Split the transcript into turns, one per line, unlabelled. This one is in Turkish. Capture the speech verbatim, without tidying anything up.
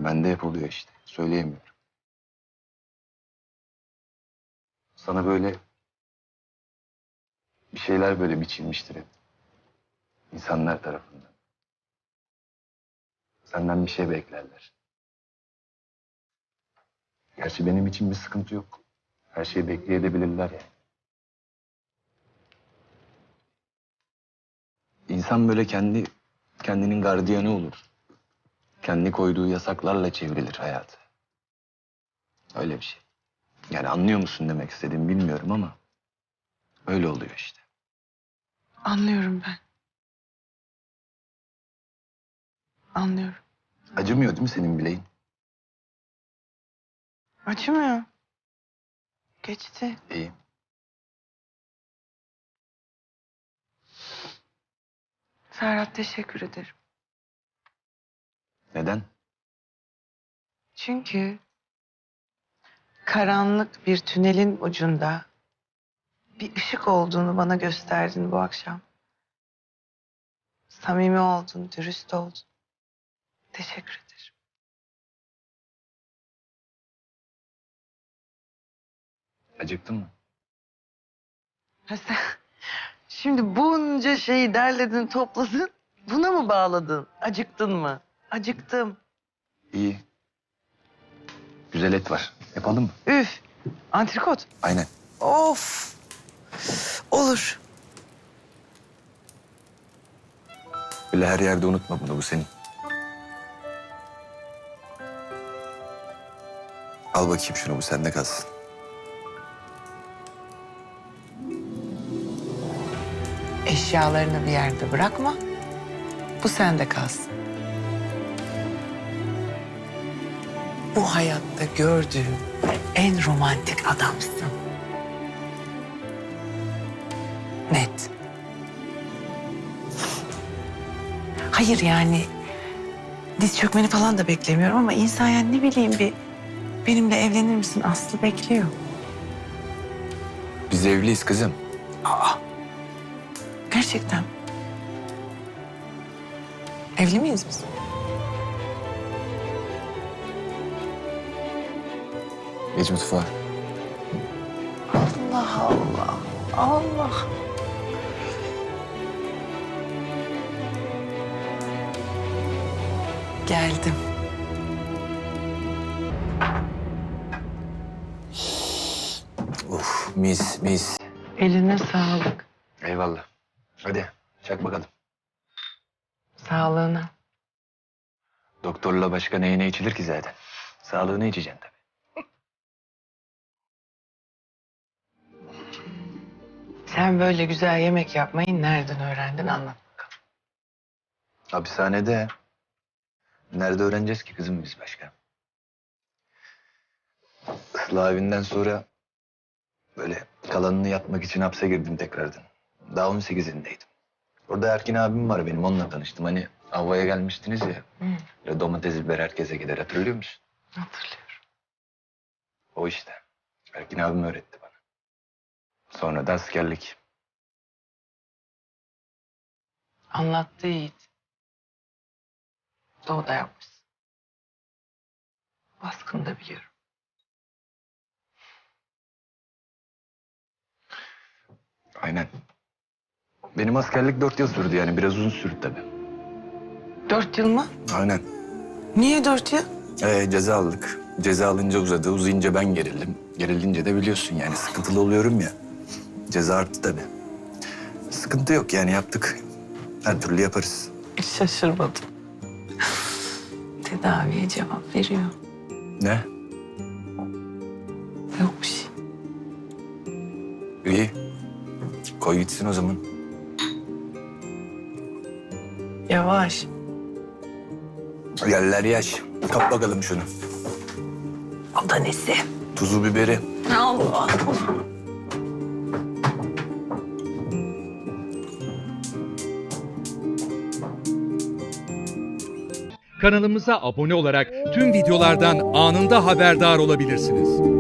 Bende hep oluyor işte. Söyleyemiyorum. Sana böyle bir şeyler böyle biçilmiştir hep. İnsanlar tarafından. Senden bir şey beklerler. Gerçi benim için bir sıkıntı yok. Her şeyi bekleyebilirler yani. İnsan böyle kendi kendinin gardiyanı olur. Kendi koyduğu yasaklarla çevrilir hayatı. Öyle bir şey. Yani anlıyor musun demek istediğimi bilmiyorum ama öyle oluyor işte.
Anlıyorum ben. Anlıyorum.
Acımıyor değil mi senin bileğin?
Acımıyor. Geçti.
İyi.
Ferhat, teşekkür ederim.
Neden?
Çünkü karanlık bir tünelin ucunda bir ışık olduğunu bana gösterdin bu akşam. Samimi oldun, dürüst oldun. Teşekkür ederim.
Acıktın mı?
Ha sen şimdi bunca şeyi derledin, topladın. Buna mı bağladın? Acıktın mı? Acıktım.
İyi. Güzel et var. Yapalım mı?
Üf. Antrikot.
Aynen.
Of. Olur.
Böyle her yerde unutma bunu, bu senin. Al bakayım şunu, bu sende kalsın.
Eşyalarını bir yerde bırakma. Bu sende kalsın. Bu hayatta gördüğüm en romantik adamsın. Net. Hayır yani diz çökmeni falan da beklemiyorum ama insan yani ne bileyim bir benimle evlenir misin Aslı bekliyor.
Biz evliyiz kızım.
Aa. Gerçekten. Evli miyiz biz?
Geç mutfağa.
Allah Allah. Allah. Geldim.
Of, mis mis.
Eline sağlık.
Eyvallah. Hadi çak bakalım.
Sağlığına.
Doktorla başka neyine içilir ki zaten? Sağlığını içeceksin tabii.
Sen böyle güzel yemek yapmayı nereden öğrendin anlat bakalım.
Hapishanede. Nerede öğreneceğiz ki kızım biz başka? Islah evinden sonra böyle kalanını yatmak için hapse girdim tekrardan. Daha on sekizindeydim. Orada Erkin abim var benim, onunla tanıştım. Hani Avva'ya gelmiştiniz ya.
Hı,
Böyle domates biber herkese gider, hatırlıyor musun?
hatırlıyorum.
O işte. Erkin abim öğretti bana. Sonra da askerlik.
Anlattı Yiğit. Doğuda yapmışsın. Baskını da biliyorum.
Aynen. Benim askerlik dört yıl sürdü, yani biraz uzun sürdü tabii.
Dört yıl mı?
Aynen.
Niye dört yıl?
Ee, ceza aldık. Ceza alınca uzadı. Uzayınca ben gerildim. Gerilince de biliyorsun yani sıkıntılı oluyorum ya. Ceza arttı tabii. Sıkıntı yok yani, yaptık. Her türlü yaparız.
Şaşırmadım. Tedaviye cevap veriyor.
Ne?
Yok bir şey.
İyi. Koy gitsin o zaman.
Yavaş.
Yerler yaş. Kap bakalım şunu.
O da nesi?
Tuzu biberi.
Allah.
Kanalımıza abone olarak tüm videolardan anında haberdar olabilirsiniz.